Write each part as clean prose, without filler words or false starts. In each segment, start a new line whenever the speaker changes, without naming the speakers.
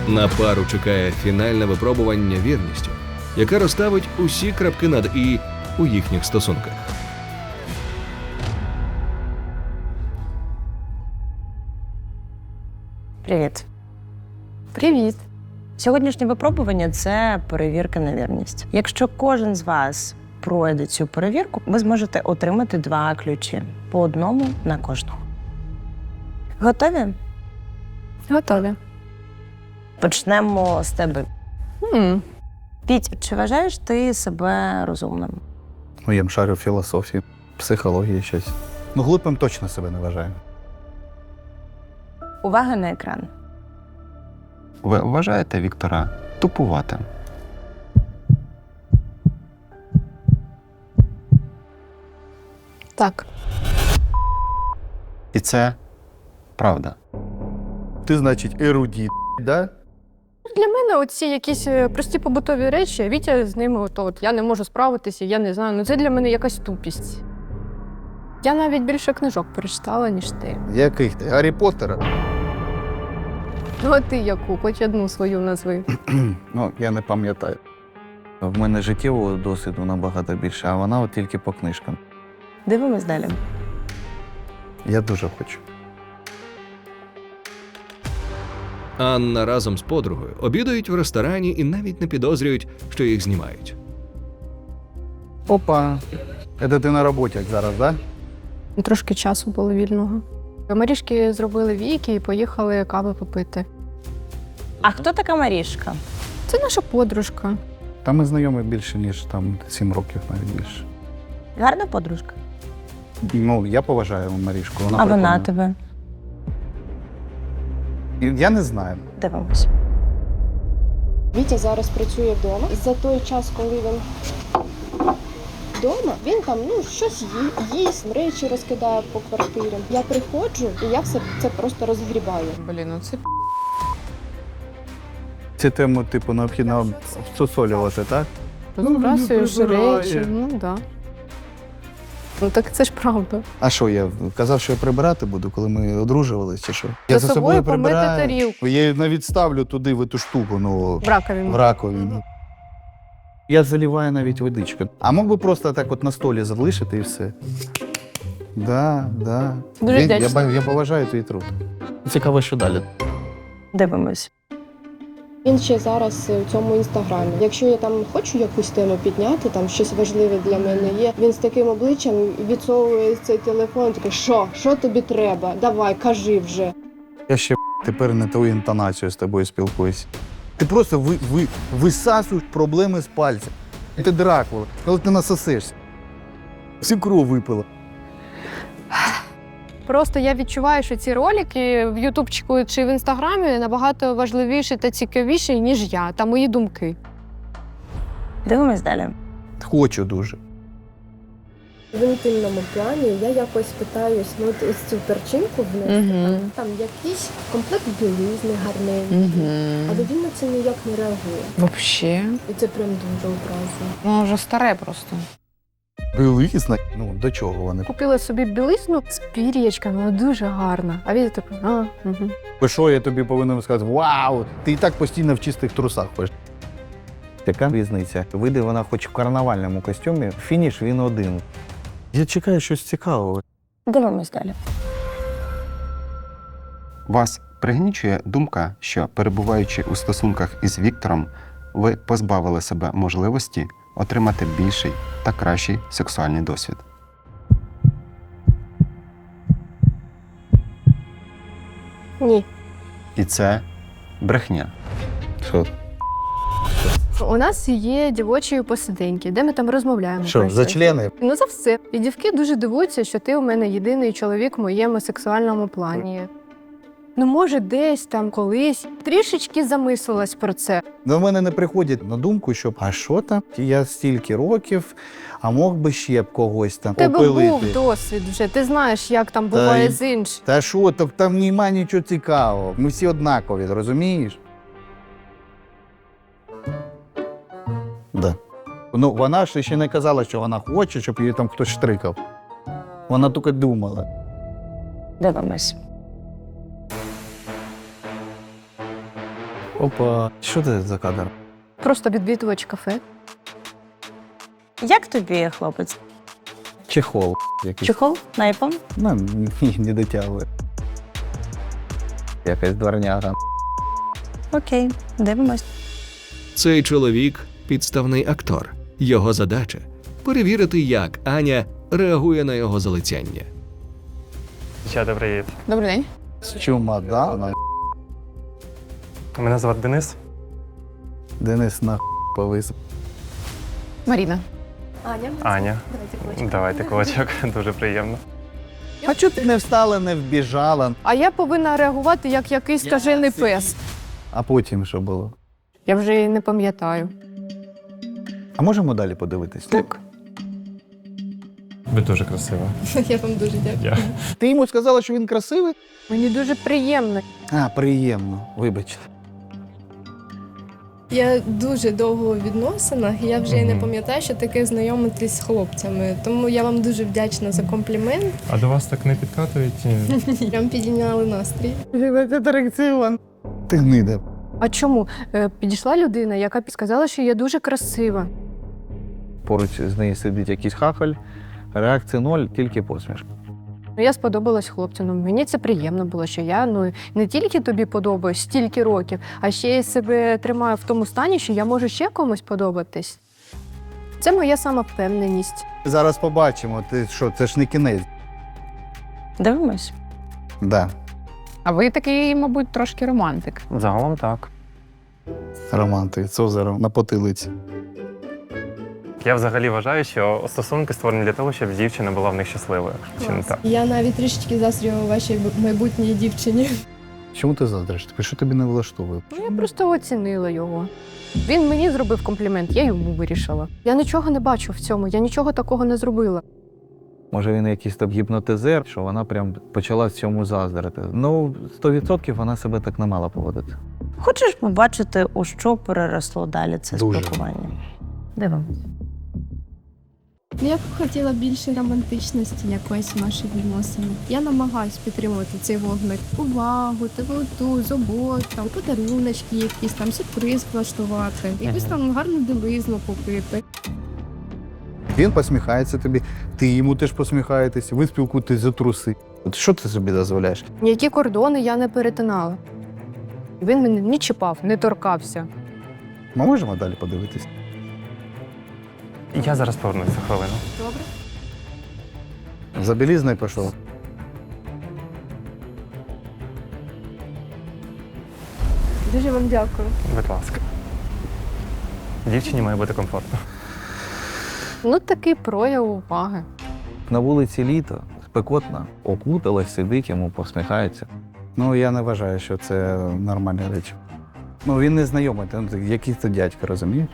На пару чекає фінальне випробування вірністю, яке розставить усі крапки над «і» у їхніх стосунках.
Привіт.
Привіт.
Сьогоднішнє випробування – це перевірка на вірність. Якщо кожен з вас пройде цю перевірку, ви зможете отримати 2 ключі. По одному на кожного. Готові?
Готові.
Почнемо з тебе. Піть, чи вважаєш ти себе розумним?
Ну, я шарю філософії, психології щось. Ну, глупим точно себе не вважаю.
Увага на екран.
Ви вважаєте Віктора тупуватим?
Так.
І це правда.
Ти, значить, ерудіт, да?
Для мене оці якісь прості побутові речі, Вітя з ними от я не можу справитися, я не знаю. Ну це для мене якась тупість. Я навіть більше книжок перечитала, ніж ти.
Яких ти? Гаррі Поттера?
Ну а ти яку? Хоч одну свою назви.
Ну, я не пам'ятаю. В мене життєвого досвіду набагато більше, а вона от тільки по книжкам.
Дивимось далі.
Я дуже хочу.
Анна разом з подругою обідають в ресторані і навіть не підозрюють, що їх знімають.
Опа. Це ти на роботі, як зараз, да?
Трошки часу було вільного. Марішки зробили віки і поїхали кави попити.
А хто така Марішка?
Це наша подружка.
Та ми знайомі більше, ніж там 7 років, навіть більше.
Гарна подружка.
Ну, я поважаю Марішку. Вона
А вона
прикольна.
тебе?
Я не знаю.
Дивимось.
Вітя зараз працює вдома. За той час, коли він вдома, він там щось їсть, речі розкидає по квартирі. Я приходжу і я все це просто розгрібаю.
Блін, ну це
Цю тему, типу, необхідно всусолювати, так?
розбрасуєш
прибирає.
речі, ну так. Да. Ну так це ж правда.
А що, я казав, що я прибирати буду, коли ми одружувалися, чи що? Я
За собою помити тарілку.
Я її навіть ставлю туди, в ту штуку, ну,
В раковину.
в раковину. Я заливаю навіть водичку. А мог би просто так от на столі залишити і все. Да.
Дуже вдячна.
Я поважаю твій труд. Цікаво, що далі.
Дивимось.
Він ще зараз у цьому інстаграмі. Якщо я там хочу якусь тему підняти, там щось важливе для мене є, він з таким обличчям відсовує цей телефон, такий, що тобі треба? Давай, кажи вже.
Я ще тепер не ту інтонацію з тобою спілкуюся. Ти просто висасуєш проблеми з пальця. Ти Дракула, коли ти насосишся. Всю кров випила.
Просто я відчуваю, що ці ролики в Ютубчику чи в Інстаграмі набагато важливіші та цікавіші, ніж я та мої думки.
Дивимось далі.
Хочу дуже.
В інтимному плані я якось питаюсь, ось цю перчинку внести, там якийсь комплект білизни гарненький, але він на це ніяк не реагує.
Вообще.
І це прям дуже образно.
Ну, вже старе просто.
Білизна? Ну, до чого вони?
Купила собі білизну з пір'ячками, вона дуже гарна. А він такий,
Бо що я тобі повинен сказати? Вау! Ти і так постійно в чистих трусах ходиш. Яка різниця? Вийде вона хоч в карнавальному костюмі, фініш він один. Я чекаю щось цікавого.
Дивимось далі.
Вас пригнічує думка, що, перебуваючи у стосунках із Віктором, ви позбавили себе можливості отримати більший та кращий сексуальний досвід.
Ні.
І це брехня.
Що?
у нас є дівочі посиденьки, де ми там розмовляємо.
Що,
про
за
щось.
члени?
Ну, за все. І дівки дуже дивуються, що ти у мене єдиний чоловік в моєму сексуальному плані. Ну, може, десь там колись трішечки замислилась про це.
До мене не приходять на думку, що а що там? Я стільки років, а мог би ще б когось там
У тебе
опилити.
був досвід вже, ти знаєш, як там буває
й-
з іншим.
Та що, так там немає нічого цікавого. Ми всі однакові, розумієш? Да. Ну, вона ж ще не казала, що вона хоче, щоб її там хтось штрикав. Вона тільки думала.
Дивимось.
Опа, що це за кадр?
Просто відвідувач кафе.
Як тобі, хлопець?
Чехол якийсь.
Чехол на iPhone?
Ну, ні, не дотягує. Якась дворняга.
Окей, дивимось.
Цей чоловік підставний актор. Його задача перевірити, як Аня реагує на його залицяння.
Дівчата, привіт.
Добрий день.
З чумадана.
Мене звати Денис.
Денис на повис.
Маріна.
Аня. Давайте кулачок, дуже приємно.
А чого ти не встала, не вбіжала?
А я повинна реагувати як якийсь скажений пес.
А потім що було?
Я вже і не пам'ятаю.
А можемо далі подивитись?
Так.
Ви дуже красива.
Я вам дуже дякую.
Ти йому сказала, що він красивий?
Мені дуже приємно.
А, приємно, вибачте.
Я дуже довго у відносинах, і я вже і не
Мгм.
пам'ятаю, що таке знайомитись з хлопцями. Тому я вам дуже вдячна за комплімент.
А до вас так не підкатують?
Прям підійняли настрій.
Ти гнида.
А чому? Підійшла людина, яка сказала, що я дуже красива.
Поруч з нею сидить якийсь хахаль, реакції ноль, тільки посмішка.
Я сподобалась хлопцю. Ну, мені це приємно було, що я не тільки тобі подобаюсь стільки років, а ще й себе тримаю в тому стані, що я можу ще комусь подобатись. Це моя самовпевненість.
Зараз побачимо, ти що, це ж не кінець.
Дивимось.
Да,
А ви такий, мабуть, трошки романтик.
Загалом так.
романти, Цозаром на потилиці.
Я взагалі вважаю, що стосунки створені для того, щоб дівчина була в них щасливою. Чи не так?
Я навіть трішечки заздрю вашій майбутній дівчині.
Чому ти заздриш? Що тобі не влаштовує?
Ну, я просто оцінила його. Він мені зробив комплімент, я йому вирішила. Я нічого не бачу в цьому, я нічого такого не зробила.
Може, він якийсь там гіпнотизер, що вона прям почала в цьому заздрити. Ну, 100% вона себе так не мала поводити.
Хочеш побачити, у що переросло далі це
Дуже.
спілкування? Дивимось.
Я б хотіла більше романтичності якоїсь в наших відносинах. Я намагаюсь підтримувати цей вогник. Увагу, теплоту, заботу, подаруночки якісь там, сюрприз влаштувати, якусь там гарну білизну купити.
Він посміхається тобі, ти йому теж посміхаєтесь, ви спілкуєтесь за труси. От що ти собі дозволяєш?
Ніякі кордони я не перетинала. Він мене не чіпав, не торкався.
Ми можемо далі подивитись?
Я зараз повернусь за хвилину.
Добре?
За білізною пішов.
Дуже вам дякую.
Будь ласка. Дівчині має бути комфортно.
Ну, такий прояв уваги.
На вулиці літо, спекотно, окуталась, сидить, йому посміхається. Ну, я не вважаю, що це нормальні речі. Ну, він не знайомий, якийсь це дядька, розумієш?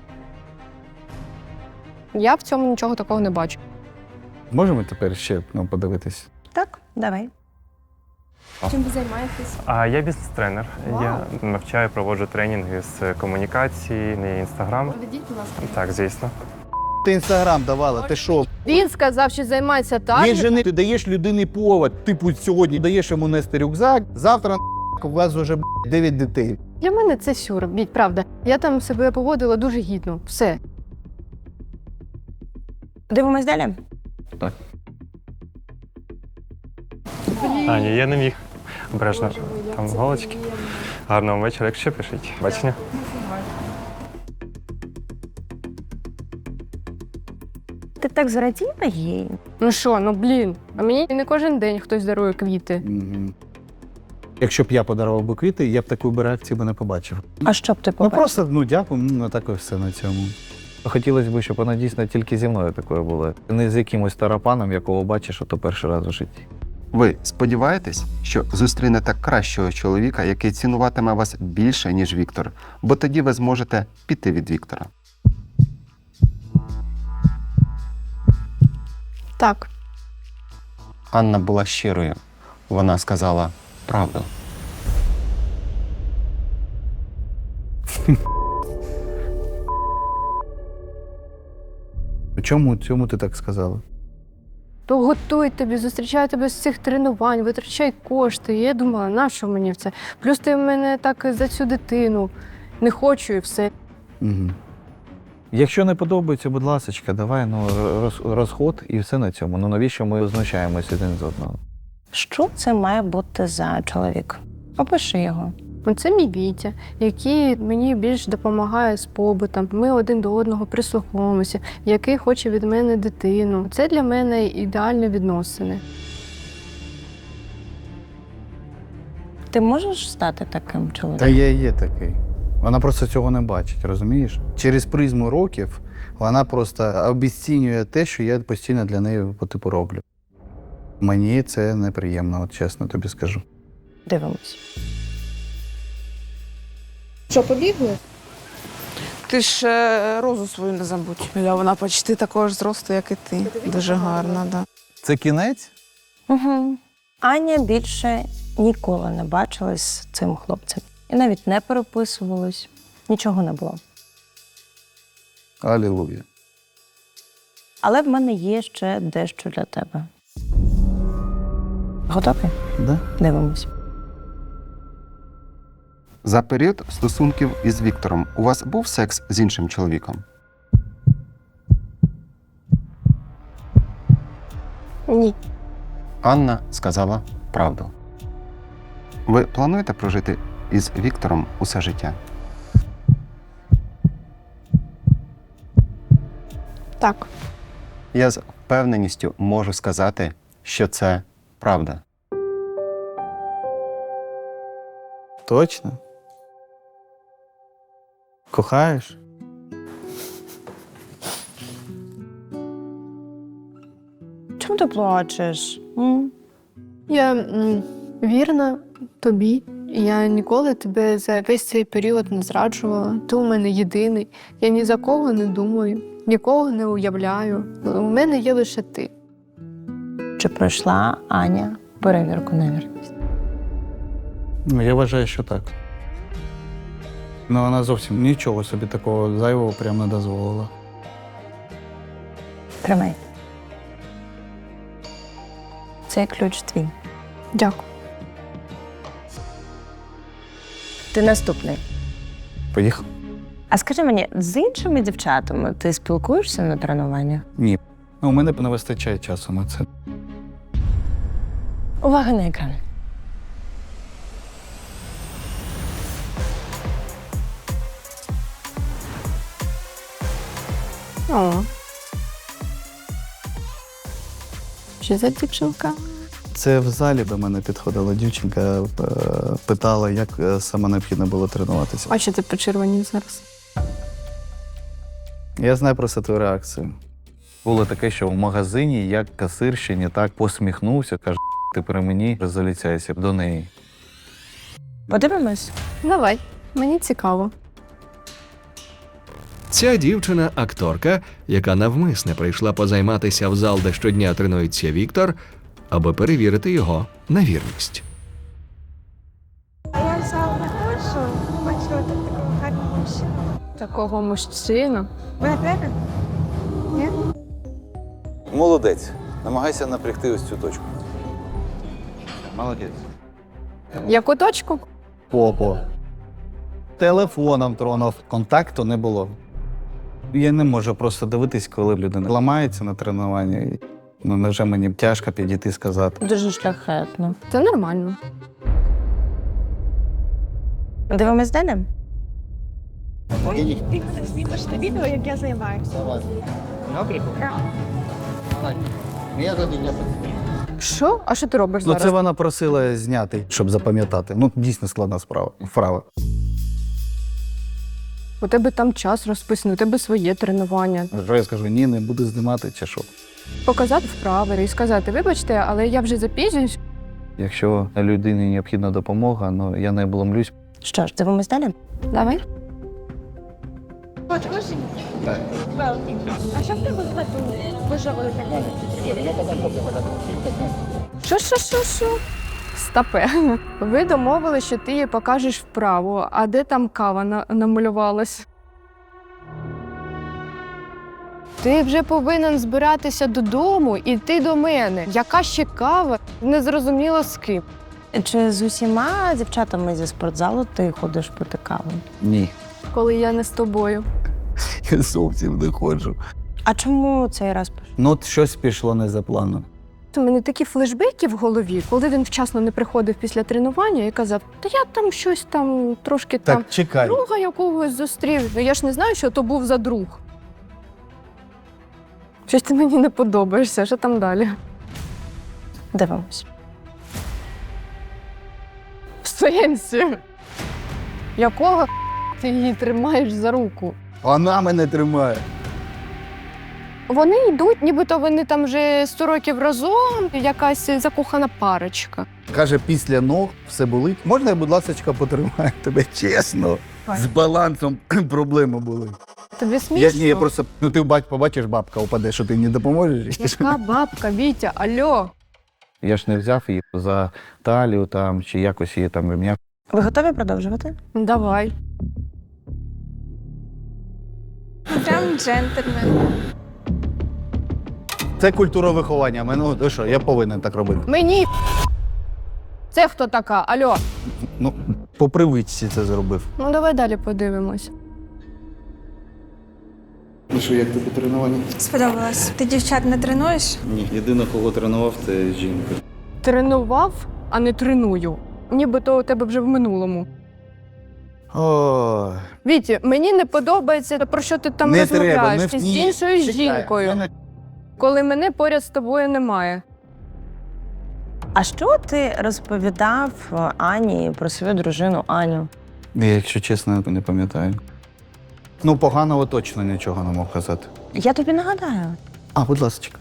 Я в цьому нічого такого не бачу.
Можемо тепер ще подивитись?
Так, давай.
Чим ви займаєтесь?
А я бізнес-тренер.
Вау.
Я навчаю, проводжу тренінги з комунікації, на інстаграм.
Проведіть, будь ласка.
Так, звісно.
Ти інстаграм давала, ти що?
Він сказав, що займається так.
Він же не ти даєш людині повод. Типу, сьогодні даєш йому нести рюкзак, завтра у вас вже 9 дітей.
Для мене це сюр, правда. Я там себе поводила дуже гідно. Все.
Дивимось далі.
Аня, я не міг. Обережно. Там голочки. Гарного вечора, якщо пишіть. Бачення.
Ти так зраділа їй?
Ну що, а мені не кожен день хтось дарує квіти.
Угу. Якщо б я подарував би квіти, я б такої б реакції би не побачив.
А що б ти
Ну
побачив?
просто, дякую, так і все на цьому. Хотілося б, щоб вона дійсно тільки зі мною такою була. Не з якимось тарапаном, якого бачиш, ото перший раз у житті.
Ви сподіваєтесь, що зустрінете кращого чоловіка, який цінуватиме вас більше, ніж Віктор, бо тоді ви зможете піти від Віктора.
Так.
Анна була щирою. Вона сказала правду.
Чому ти так сказала?
То готують тобі, зустрічають тебе з цих тренувань, витрачають кошти. І я думала, на що мені це? Плюс ти в мене так за цю дитину. Не хочу і все.
Угу. Якщо не подобається, будь ласка, давай розход і все на цьому. Ну навіщо ми знущаємося один з одного?
Що це має бути за чоловік? Опиши його.
Це мій Вітя, який мені більш допомагає з побутом. Ми один до одного прислуховуємося, який хоче від мене дитину. Це для мене ідеальні відносини.
Ти можеш стати таким чоловіком?
Та я є такий. Вона просто цього не бачить, розумієш? Через призму років вона просто обіцінює те, що я постійно для неї по типу роблю. Мені це неприємно, от чесно тобі скажу.
Дивимось.
Що, побігли?
Ти ж розу свою не забудь. Вона почти такого ж зросту, як і ти. Дуже гарна, да.
Це кінець?
Угу. Аня більше ніколи не бачилась з цим хлопцем. І навіть не переписувалась. Нічого не було.
Алілуя.
Але в мене є ще дещо для тебе. Готові?
Да?
Дивимось.
За період стосунків із Віктором у вас був секс з іншим чоловіком?
Ні.
Анна сказала правду. Ви плануєте прожити із Віктором усе життя?
Так.
Я з впевненістю можу сказати, що це правда.
Точно? Кохаєш?
Чому ти плачеш?
Я вірна тобі. Я ніколи тебе за весь цей період не зраджувала. Ти у мене єдиний. Я ні за кого не думаю, нікого не уявляю. У мене є лише ти.
Чи пройшла Аня перевірку на вірність?
Ну, я вважаю, що так. Ну, вона зовсім нічого собі такого зайвого прямо не дозволила.
Тримай. Цей ключ твій.
Дякую.
Ти наступний.
Поїхав?
А скажи мені, з іншими дівчатами ти спілкуєшся на тренуваннях?
Ні. Ну, у мене не вистачає часу на це.
Увага на екран.
О. Що за дівчинка?
Це в залі до мене підходила дівчинка, питала, як саме необхідно було тренуватися.
А що ти почервонів зараз?
Я знаю просто твою реакцію. Було таке, що в магазині я касирщині так посміхнувся, каже, ти при мені заліцяйся до неї.
Подивимось.
Давай, мені цікаво.
Ця дівчина – акторка, яка навмисне прийшла позайматися в зал, де щодня тренується Віктор, аби перевірити його на вірність.
Я в зал не ходжу, бачила тут такого гарного мужчину.
Такого мужчину.
Ви не Ні?
Молодець. Намагайся напрягти ось цю точку. Молодець.
Яку точку?
Попо. Телефоном тронув. Контакту не було. Я не можу просто дивитись, коли людина ламається на тренуванні. Ну, невже мені тяжко підійти і сказати.
Дуже шляхетно.
Це нормально.
Дивимось далі?
Ой, ти мене знімеш на відео, як я займаюся.
Що? А що ти робиш
Ну,
зараз?
це вона просила зняти, щоб запам'ятати. Ну, дійсно складна вправа.
У тебе там час розписаний, у тебе своє тренування.
Що я скажу, ні, не буду знімати, чи що?
Показати вправи і сказати, вибачте, але я вже запізнююсь.
Якщо людині необхідна допомога, ну я не обломлюсь.
Що ж, дивимось далі?
Давай.
От, кожен. Великий. А що в тебе з мету виживали таке?
Що? Стопе. Ви домовили, що ти їй покажеш вправу, а де там кава намалювалась? Ти вже повинен збиратися додому і йти до мене. Яка ще кава? Незрозуміло з ким.
Чи з усіма дівчатами зі спортзалу ти ходиш пити каву?
Ні.
Коли я не з тобою.
Я зовсім не ходжу.
А чому цей раз пиш?
Ну, от щось пішло не за планом.
У мене такі флешбеки в голові, коли він вчасно не приходив після тренування і казав, та я там щось там трошки
Так,
там
чекай.
друга якогось зустрів. Ну я ж не знаю, що то був за друг. Щось ти мені не подобаєшся, що там далі?
Дивимось.
В сенсі? Якого ти її тримаєш за руку?
Вона мене тримає.
Вони йдуть, нібито вони там вже 100 років разом, якась закохана парочка.
Каже, після ног все болить. Можна я, будь ласка, потримаю тебе чесно? З балансом проблеми були.
Тобі смішно?
Я просто, ну ти побачиш, бабка упаде, що ти мені допоможеш.
Яка бабка, Вітя, альо?
Я ж не взяв її за талію там, чи якось її там ремня.
Ви готові продовжувати?
Давай.
Прям джентльмен.
Це культура виховання. Ну що, я повинен так робити.
Мені це хто така? Альо?
Ну, по привичці це зробив.
Ну давай далі подивимось.
Ну що, як тобі тренування?
Сподобалось. Ти дівчат не тренуєш?
Ні, єдине, кого тренував, це жінка.
Тренував, а не треную. Нібито у тебе вже в минулому.
О,
Віті, мені не подобається, про що ти там
не
розмовляєш
треба,
з іншою жінкою, коли мене поряд з тобою немає.
А що ти розповідав Ані про свою дружину Аню?
Я, якщо чесно, не пам'ятаю. Ну, поганого точно нічого не мог казати.
Я тобі нагадаю.
А, будь ласка.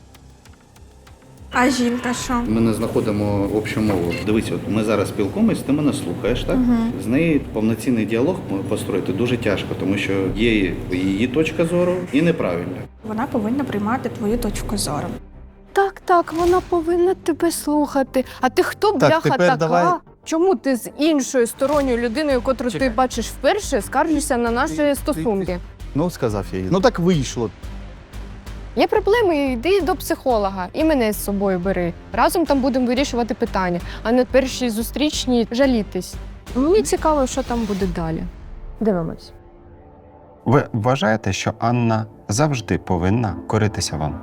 А жінка що?
Ми не знаходимо общу мову. Дивись, от ми зараз спілкуємось, ти мене слухаєш, так? З нею повноцінний діалог построїти дуже тяжко, тому що є її точка зору і неправильна.
Вона повинна приймати твою точку зору.
Так, вона повинна тебе слухати. А ти хто, бляха,
тепер
така?
давай.
Чому ти з іншою сторонньою людиною, котру
Чекай.
ти бачиш вперше, скаржишся на наші стосунки?
Ну, сказав я їй. Ну так вийшло.
Є проблеми, йди до психолога і мене з собою бери. Разом там будемо вирішувати питання, а не першій зустрічній жалітись. Мені цікаво, що там буде далі.
Дивимось.
Ви вважаєте, що Анна завжди повинна коритися вам?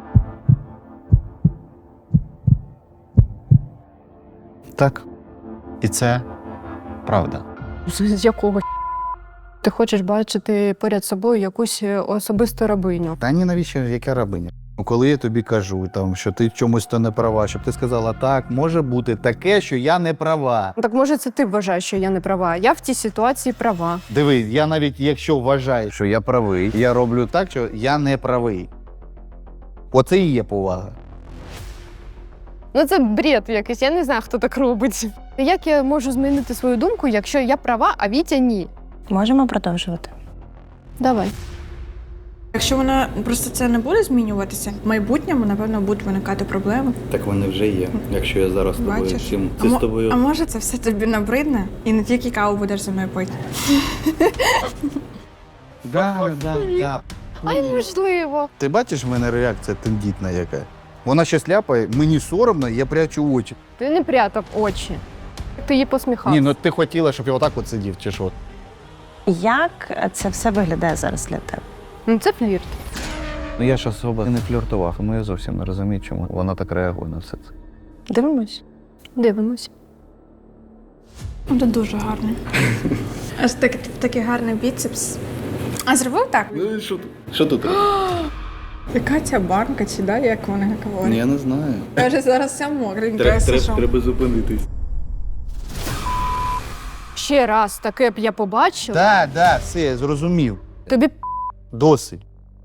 Так.
І це правда.
З якого ти хочеш бачити поряд собою якусь особисту рабиню?
Та ні, навіщо, яка рабиня? Ну, коли я тобі кажу, там, що ти в чомусь то не права, щоб ти сказала, так, може бути таке, що я не права.
Так може це ти вважаєш, що я не права? Я в цій ситуації права.
Диви, я навіть якщо вважаю, що я правий, я роблю так, що я не правий. Оце і є повага.
Ну це бред якийсь, я не знаю, хто так робить. Як я можу змінити свою думку, якщо я права, а Вітя ні?
Можемо продовжувати.
Давай.
Якщо вона просто це не буде змінюватися, в майбутньому, напевно, будуть виникати проблеми.
Так вони вже є. Якщо я зараз з тобою
Бачиш?
всім,
А
це з тобою.
А може це все тобі набридне і не тільки каву будеш зі мною пити?
Да.
Ай, можливо.
Ти бачиш, в мене реакція тендітна яка? Вона щось ляпає, мені соромно, я прячу очі.
Ти не прятав очі. Ти їй посміхався.
Ні, ну ти хотіла, щоб я отак от сидів, чи що?
Як це все виглядає зараз для тебе?
Ну це флірт.
Ну я ж особо не фліртував, тому я зовсім не розумію, чому вона так реагує на все це.
Дивимось.
Дивимось.
Це дуже гарно. Аж такий гарний біцепс. А зробив так?
Ну, що тут? Що тут?
Яка ця банка, чи да, як вони говорять?
Я не знаю.
Каже, зараз вся мокренька.
Треба зупинитись.
Ще раз таке б я побачила.
Так, все, я зрозумів.
Тобі
Досить.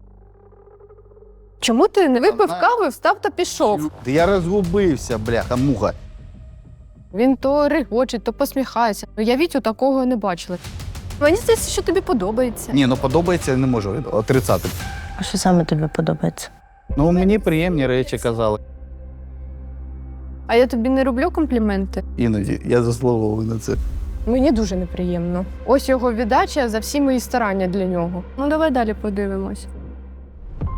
чому ти не випив каву, встав та пішов?
Та я розгубився, бляха, муха.
Він то регоче, то посміхається. Я Вітю такого не бачила. Мені здається, що тобі подобається.
Ні, ну подобається, я не можу отрицати.
А що саме тобі подобається?
Ну, мені приємні речі казали.
А я тобі не роблю компліменти.
Іноді я заслуговую на це.
Мені дуже неприємно. Ось його віддача за всі мої старання для нього. Ну давай далі подивимось.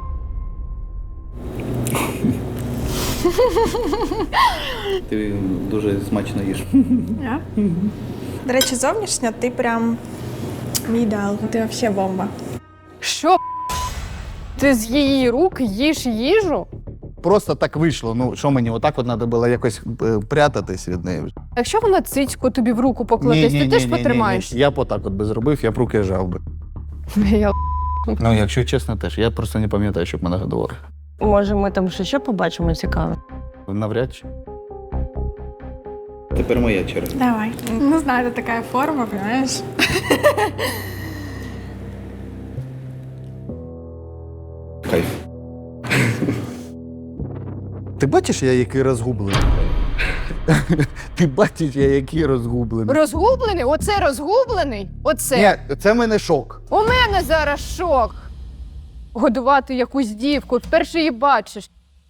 Ти дуже смачно їш.
До речі, зовнішньо ти прям мій ідеал. Ти взагалі бомба.
Що? Ти з її рук їш їжу?
Просто так вийшло. Ну, що мені, отак от треба було якось прятатись від неї.
Якщо вона цицьку тобі в руку покладе, ти теж потримаєш.
Я б отак от би зробив, я б руки жав би.
Я
Ну, якщо чесно, теж. Я просто не пам'ятаю, щоб мене годували.
Може, ми там ще побачимо цікаве?
Навряд чи.
Тепер моя черга.
Давай. Ну, знаю, це така форма, розумієш?
Кайф.
Ти бачиш, я який розгублений? Ти бачиш, я який розгублений?
розгублений? Оце розгублений? Оце.
Ні, це в мене шок.
У мене зараз шок. Годувати якусь дівку, вперше її бачиш.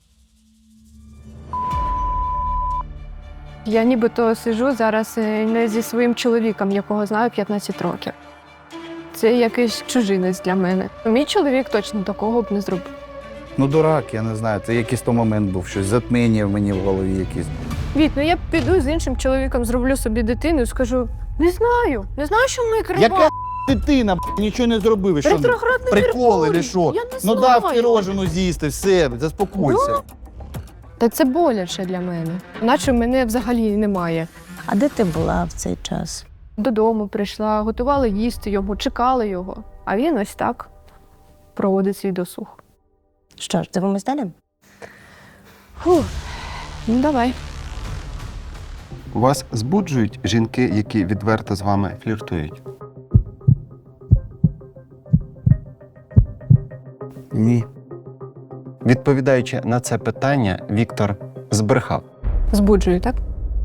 Я нібито сиджу зараз не зі своїм чоловіком, якого знаю 15 років. Це якийсь чужинець для мене. Мій чоловік точно такого б не зробив.
Ну, дурак, я не знаю. Це якийсь то момент був, щось затміння в мені в голові якесь.
Віт, ну я піду з іншим чоловіком, зроблю собі дитину і скажу: не знаю, що ми крива.
Яка дитина, нічого не зробив. Що,
Ретроградний
приколи
Меркурій.
чи що?
Я не
Ну
знаю.
дав пірожину з'їсти, все, заспокойся.
Ну, та це боляче для мене. Наче мене взагалі немає.
А де ти була в цей час?
Додому прийшла, готувала їсти йому, чекала його. А він ось так проводить свій досуг.
Що ж, дивимось далі?
Фух, ну давай.
Вас збуджують жінки, які відверто з вами фліртують?
Ні.
Відповідаючи на це питання, Віктор збрехав.
Збуджую, так?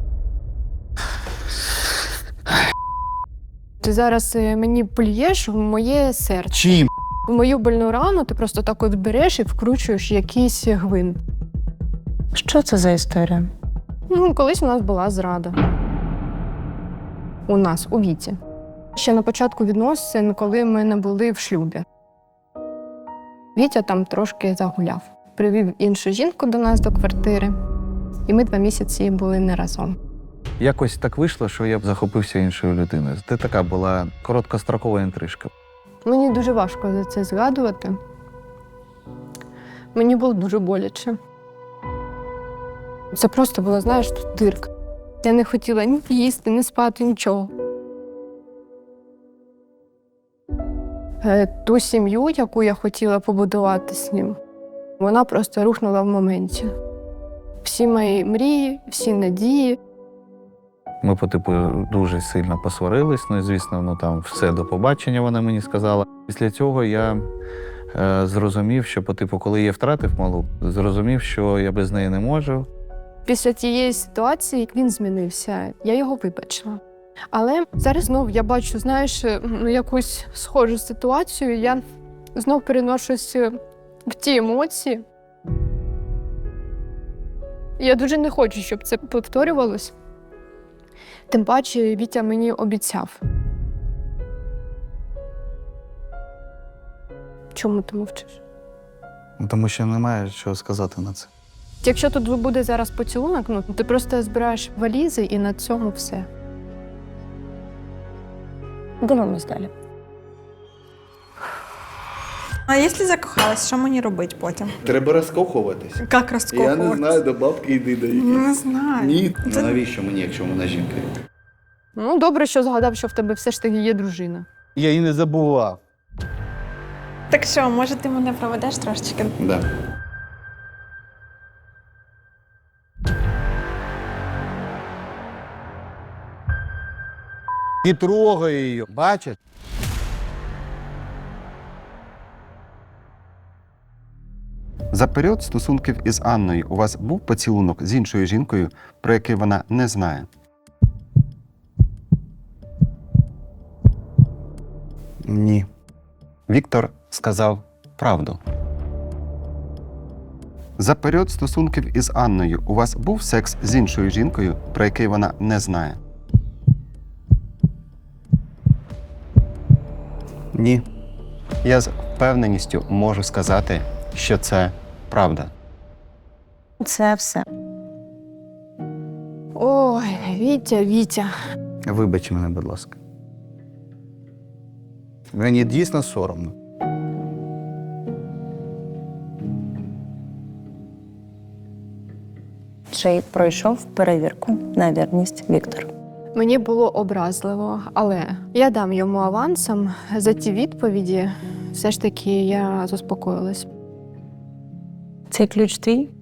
Ти зараз мені плюєш в моє серце.
Чим?
В мою больну рану ти просто так от береш і вкручуєш якийсь гвинт.
Що це за історія?
Ну, колись у нас була зрада. У нас, у Віті. Ще на початку відносин, коли ми не були в шлюбі. Вітя там трошки загуляв. Привів іншу жінку до нас до квартири. І ми 2 місяці були не разом.
Якось так вийшло, що я б захопився іншою людиною. Це така була короткострокова інтрижка.
Мені дуже важко за це згадувати. Мені було дуже боляче. Це просто була, знаєш, тут дирка. Я не хотіла ні їсти, ні спати, нічого. Ту сім'ю, яку я хотіла побудувати з ним, вона просто рухнула в моменті. Всі мої мрії, всі надії.
Ми, дуже сильно посварились. Ну і, звісно, ну там все, до побачення, вона мені сказала. Після цього я зрозумів, що, коли я втратив малу, зрозумів, що я без неї не можу.
Після тієї ситуації він змінився, я його вибачила. Але зараз знов я бачу, знаєш, якусь схожу ситуацію, я знов переношусь в ті емоції. Я дуже не хочу, щоб це повторювалось. Тим паче Вітя мені обіцяв. Чому ти мовчиш?
Тому що немає чого сказати на це.
Якщо тут буде зараз поцілунок, ну ти просто збираєш валізи і на цьому все.
Дивимось далі.
А якщо закохалась, що мені робити потім?
Треба розкохуватись.
Як розкохуватися?
до бабки йди до її.
Не знаю.
Ні. Ну, навіщо мені, якщо вона жінка?
Ну, добре, що згадав, що в тебе все ж таки є дружина.
Я її не забував.
Так що, може, ти мене проведеш трошечки?
Да.
І трогає її, бачиш?
За період стосунків із Анною у вас був поцілунок з іншою жінкою, про який вона не знає?
Ні.
Віктор сказав правду. За період стосунків із Анною у вас був секс з іншою жінкою, про який вона не знає?
Ні.
Я з впевненістю можу сказати, що це правда.
Це все.
Ой, Вітя.
Вибач мене, будь ласка. Мені дійсно соромно.
Чи пройшов перевірку на вірність Віктор?
Мені було образливо, але я дам йому авансом за ті відповіді. Все ж таки я заспокоїлась.
Цей ключ твій?